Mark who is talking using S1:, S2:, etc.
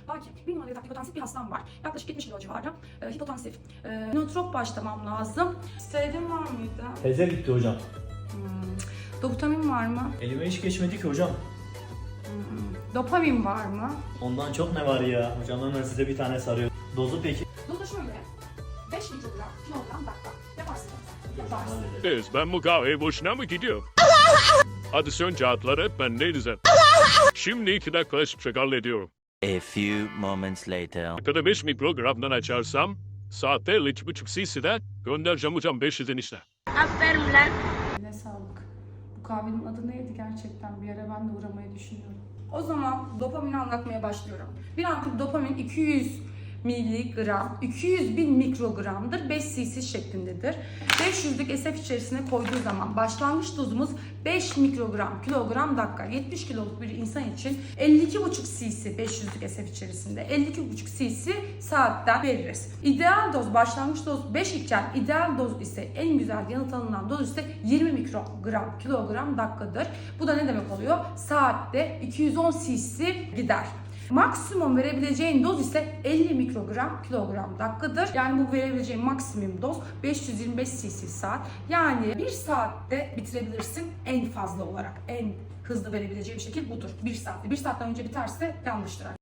S1: Lakin 1 numaralı yataklı hipotansif bir hastam var. Yaklaşık 70 kilo civarı. Hipotansif. Nootrop başlamam lazım. Steroidin var mıydı?
S2: Teze bitti hocam.
S1: Doptamin var mı?
S2: Elime hiç geçmedi ki hocam.
S1: Dopamin var mı?
S2: Ondan çok ne var ya? Hocam hemen size bir tane sarıyor. Dozu peki?
S1: Dozu şöyle. 5 mikrogram, kilogram, dakika. Yaparsın. Yaparsın.
S3: Kız ben bu kahveye boşuna mı gidiyorum? Hadi sen kağıtları hep ben ne diyeceğim? Şimdi 2 dakika hiçbir hallediyorum.
S4: A few moments later.
S3: Dakikada 5 mikrogramdan açarsam saatte 52,5 cc'de göndereceğim hocam 500'den işte.
S5: Aferin lan.
S1: Ne sağlık. Bu kahvenin adı neydi gerçekten? Bir ara ben de uğramayı düşünüyorum. O zaman dopamini anlatmaya başlıyorum. Bir ampul dopamin 200 miligram, 200 bin mikrogramdır, 5 cc şeklindedir. 500'lük SF içerisine koyduğu zaman başlangıç dozumuz 5 mikrogram kilogram dakika. 70 kiloluk bir insan için 52,5 cc 500'lük SF içerisinde 52,5 cc saatten veririz. İdeal doz, başlangıç doz 5 iken ideal doz ise en güzel yanıt alınan doz ise 20 mikrogram kilogram dakikadır. Bu da ne demek oluyor? Saatte 210 cc gider. Maksimum verebileceğin doz ise 50 mikrogram kilogram dakikadır. Yani bu verebileceğin maksimum doz 525 cc saat. Yani 1 saatte bitirebilirsin en fazla olarak. En hızlı verebileceğim şekil budur. 1 saatte. 1 saatten önce biterse yanlıştır.